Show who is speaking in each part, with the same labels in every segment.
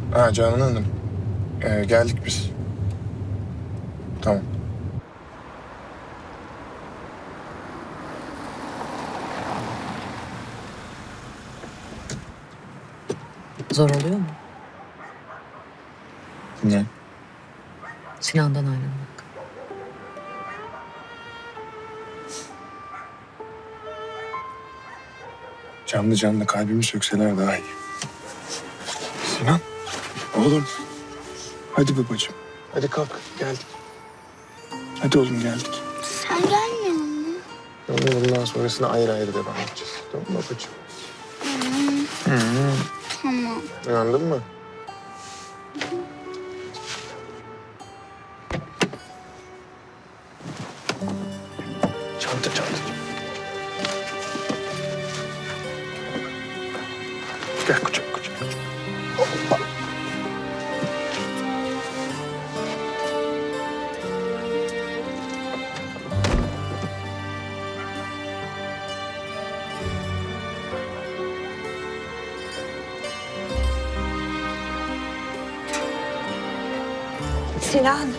Speaker 1: Ha Canan Hanım. Geldik biz. Tamam.
Speaker 2: Zor oluyor mu?
Speaker 1: Ne?
Speaker 2: Sinan'dan ayrılmak.
Speaker 1: Canlı canlı kalbimi sökseler daha iyi. Sinan. Oğlum. Hadi babacığım. Hadi kalk. Geldik. Hadi oğlum geldik.
Speaker 3: Sen gelmiyor musun?
Speaker 1: Oğlum bundan sonrasını ayrı ayrı devam edeceğiz. Tamam mı babacığım?
Speaker 3: Tamam.
Speaker 1: İnandın mı? Çanta çanta. Gel kucak kucak. Hoppa.
Speaker 4: Sinan.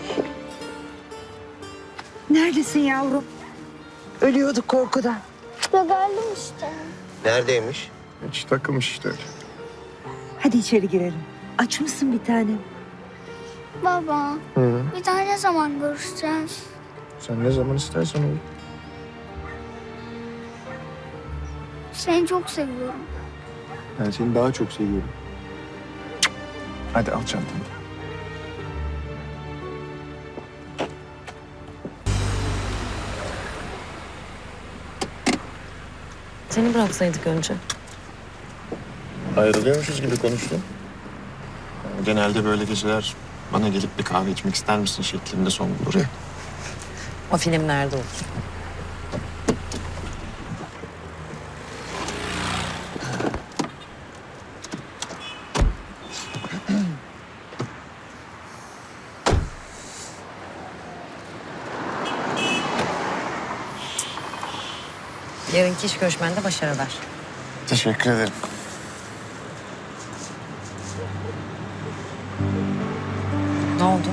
Speaker 4: Neredesin yavrum? Ölüyorduk korkudan.
Speaker 3: Ya geldim işte.
Speaker 5: Neredeymiş?
Speaker 1: Hiç takılmış işte öyle.
Speaker 4: Hadi içeri girelim. Aç mısın bir tanem?
Speaker 3: Baba,
Speaker 1: Hı.
Speaker 3: bir daha ne zaman görüşeceğiz?
Speaker 1: Sen ne zaman istersen olur.
Speaker 3: Seni çok seviyorum.
Speaker 1: Ben seni daha çok seviyorum. Hadi al çantanı.
Speaker 2: Seni bıraksaydık önce.
Speaker 1: Ayrılıyormuşuz gibi konuştun. Genelde böyle geceler bana gelip bir kahve içmek ister misin şeklinde son bulur ya.
Speaker 2: O filmlerde olur. Yarınki iş görüşmende başarılar.
Speaker 1: Teşekkür ederim.
Speaker 2: Ne oldu?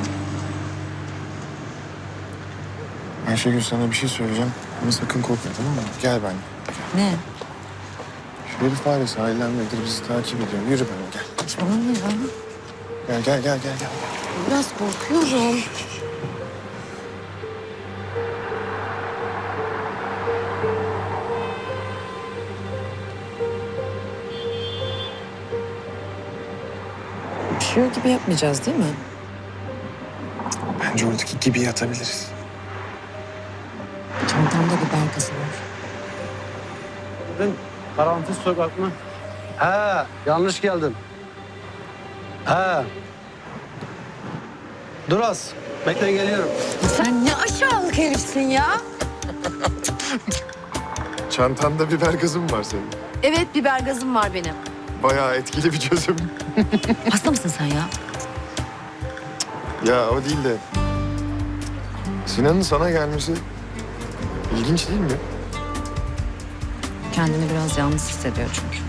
Speaker 1: Ayşegül sana bir şey söyleyeceğim ama sakın korkma tamam mı? Gel benimle.
Speaker 2: Ne?
Speaker 1: Şu herif var ya sahildendedir bizi takip ediyor. Yürü benimle gel.
Speaker 2: Saçmalama ya.
Speaker 1: Gel.
Speaker 2: Biraz korkuyorum. Üşüyor gibi yapmayacağız değil mi?
Speaker 1: Bence oradaki gibi yatabiliriz.
Speaker 2: Çantamda biber gazı var.
Speaker 5: Karanfil sokak mı? He, yanlış geldin. He. Dur az. Bekle geliyorum.
Speaker 2: Sen ne aşağılık herifsin ya.
Speaker 1: Çantanda biber gazı mı var senin?
Speaker 2: Evet, biber gazım var benim.
Speaker 1: Bayağı etkili bir çözüm.
Speaker 2: Hasta mısın sen ya?
Speaker 1: Ya o değil de... Sinan'ın sana gelmesi ilginç değil mi?
Speaker 2: Kendini biraz yalnız hissediyor çünkü.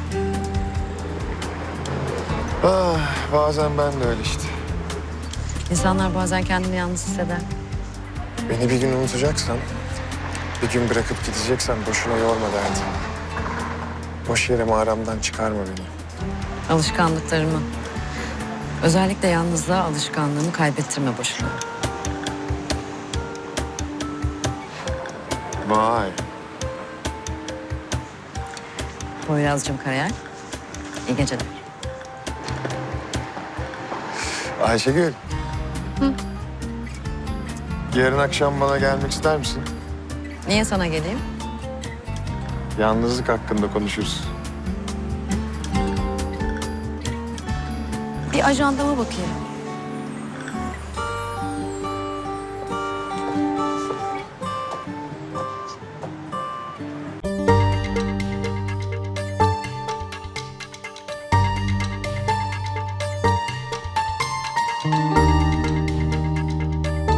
Speaker 1: Ah, bazen ben de öyle işte.
Speaker 2: İnsanlar bazen kendini yalnız hisseder.
Speaker 1: Beni bir gün unutacaksan, bir gün bırakıp gideceksen boşuna yorma derdi. Boş yere mağaramdan çıkarma beni.
Speaker 2: Alışkanlıklarımı, özellikle yalnızlığa alışkanlığımı kaybettirme boşuna.
Speaker 1: Vay.
Speaker 2: Poyraz'cığım Karayel, iyi geceler.
Speaker 1: Ayşegül. Yarın akşam bana gelmek ister misin?
Speaker 2: Niye sana geleyim?
Speaker 1: Yalnızlık hakkında konuşuruz.
Speaker 2: Bir ajandama bakayım.